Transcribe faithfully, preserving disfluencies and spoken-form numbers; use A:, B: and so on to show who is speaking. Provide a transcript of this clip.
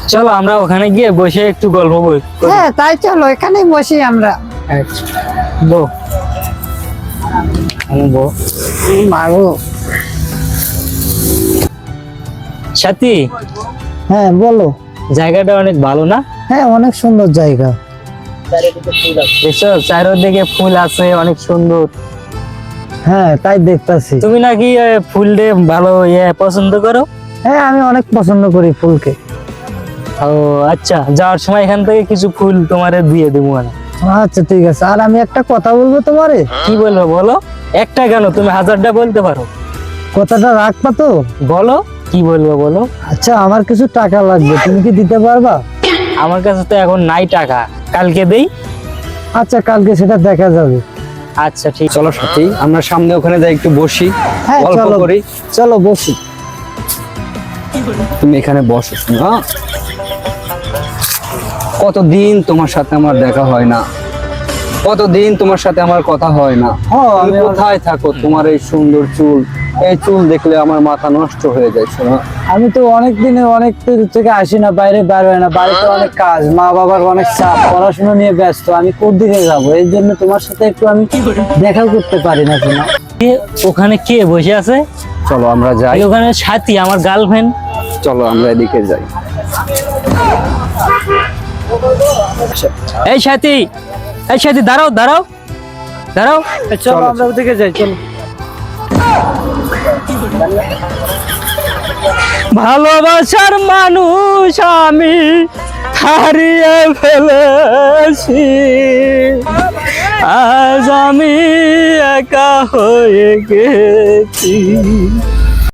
A: চলো আমরা ওখানে গিয়ে বসে একটু গল্প করি।
B: হ্যাঁ তাই চলো এখানেই বসি আমরা।
A: আচ্ছা বো আমি বো
B: মাগো।
A: সাথী,
B: হ্যাঁ বলো।
A: জায়গাটা অনেক ভালো না?
B: হ্যাঁ অনেক সুন্দর জায়গা।
A: দেখছো চারিদিকে ফুল আছে অনেক সুন্দর।
B: হ্যাঁ তাই দেখতাছি।
A: তুমি নাকি আহ, ফুল দিয়ে ভালো ইয়ে পছন্দ করো?
B: হ্যাঁ আমি অনেক পছন্দ করি ফুলকে।
A: ও আচ্ছা, যাওয়ার সময় এখান থেকে কিছু ফুল তোমারে দিয়ে দেবো মানে।
B: আচ্ছা ঠিক আছে। আর আমি একটা কথা বলবো তোমারে।
A: কি বলবো বলো? একটা কেন, তুমি হাজারটা বলতে পারো।
B: কথাটা রাখবা তো?
A: বলো কি বলবো বলো।
B: আচ্ছা আমার কিছু টাকা লাগবে, তুমি কি দিতে পারবা?
A: আমার কাছে তো এখন নাই টাকা, কালকে দেই।
B: আচ্ছা কালকে সেটা দেখা যাবে।
A: আচ্ছা ঠিক।
C: চলো সাথী, আমরা সামনে ওখানে যাই একটু বসি,
B: হ্যাঁ
C: গল্প
B: চলো
C: করি।
B: চলো বসি।
C: তুমি এখানে বসো শোনো। হ্যাঁ? কতদিন তোমার সাথে আমার দেখা হয় না, কতদিন তোমার সাথে আমার কথা হয় না।
B: হ্যাঁ,
C: তুমি
B: আমি-
C: কোথায় থাকো? তোমার এই সুন্দর চুল, এই চুল দেখলে আমার মাথা নষ্ট হয়ে যায় শোনো।
B: আমি তো অনেক দিনে অনেক দূর থেকে আসি না, বাইরে বার হয় না, বাড়িতে অনেক কাজ, মা বাবার অনেক চাপ, পড়াশোনা নিয়ে ব্যস্ত। আমি কোন দিকে যাবো? এই জন্য তোমার সাথে একটু আমি দেখা করতে পারি না শোনা।
A: কে ওখানে কে বসে আছে?
C: চলো আমরা যাই,
A: এই ওখানে সাথী আমার গার্লফ্রেন্ড।
C: চলো আমরা এদিকে যাই।
A: এই সাথী, এই সাথী দাঁড়াও দাঁড়াও দাঁড়াও।
B: চলো আমরা ওদিকে যাই চলো।
A: ভালোবাসার মানুষ আমি হারিয়ে ফেলেছি, আজ আমি একা হয়ে গেছি।